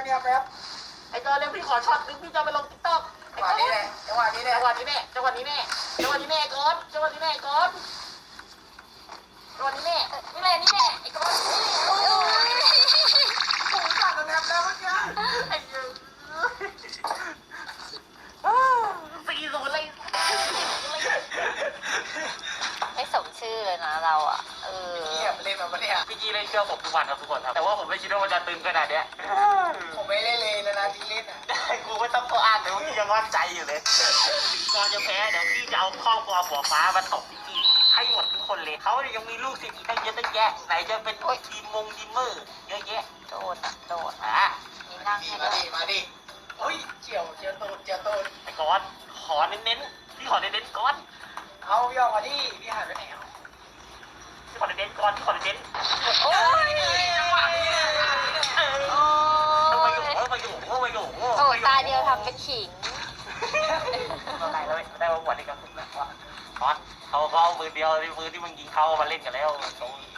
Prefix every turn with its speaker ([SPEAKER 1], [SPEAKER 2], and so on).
[SPEAKER 1] เนี่ยแป๊บ
[SPEAKER 2] ไอ้กอนเร็วพี่ขอช็อตนึงพี่จะไปลงติ๊กต็อก
[SPEAKER 1] จังหวะนี้แหละจังหวะนี้แหละ
[SPEAKER 2] จังหวะนี้แน่จังหวะนี้แน่จังหวะนี้แน่กอนจังหวะนี้แน่กอนจังหวะนี้แน่นี่แหละนี่แน่ไอ้กอนโอ้ย
[SPEAKER 1] ผมสั่นแล้วแล้วเมื่อกี้
[SPEAKER 2] ไอ้ยืน40เลย
[SPEAKER 3] ไม่สมชื่อเลยนะเราอ่ะ
[SPEAKER 1] เงียบเล่นมาปะเนี่ย
[SPEAKER 2] พี่กี้เล่นเชื่อผมทุกวันครับทุกคนครับแต่ว่าผมไม่คิดว่ามันจะตึงขนาดเนี้ย
[SPEAKER 1] ผมไม่เล่นเลยนะที่เล่นอ่ะ
[SPEAKER 2] กูไม่ต้องตัวอ่านเลยว่าพี่ยังมั่นใจอยู่เลยก่อนจะแพ้เดี๋ยวพี่จะเอาครอบครัวหัวฟ้ามาตบพี่กี้ให้หมดทุกคนเลยเขายังมีลูกศิษย์อีกตั้งเยอะตั้งแยะไหนจะเป็นทีมดีมเมอร์เยอะแยะ
[SPEAKER 3] โดดอ่ะโดด
[SPEAKER 2] อ่ะ
[SPEAKER 3] มีนั่ง
[SPEAKER 1] ดี
[SPEAKER 3] ให้
[SPEAKER 1] มา
[SPEAKER 3] ด้วย
[SPEAKER 1] ดิมาดิโอ้ยเจียวตูดเจียวตูด
[SPEAKER 2] ไอ้ก้อนขอเน้นๆพี่ขอเน้นๆก้อน
[SPEAKER 1] เอาพี่ออกมาดิพี่หายไปไหนอ่ะ
[SPEAKER 2] พี่ขอเน้นๆก้อนพี่ขอเน้นๆ
[SPEAKER 3] โอ้ย
[SPEAKER 1] จังหวะนี้แหละ
[SPEAKER 2] ทำไมอยู่ทำไมอยู่ทำไมอยู่
[SPEAKER 3] โอ้ยตาเดียวทำเป็นขิง
[SPEAKER 2] ได้แล้วได้มาหมดเลยกับคุณนะก้อนเขาเอามือเดียวมือที่มึงยิงเขามาเล่นกันแล้ว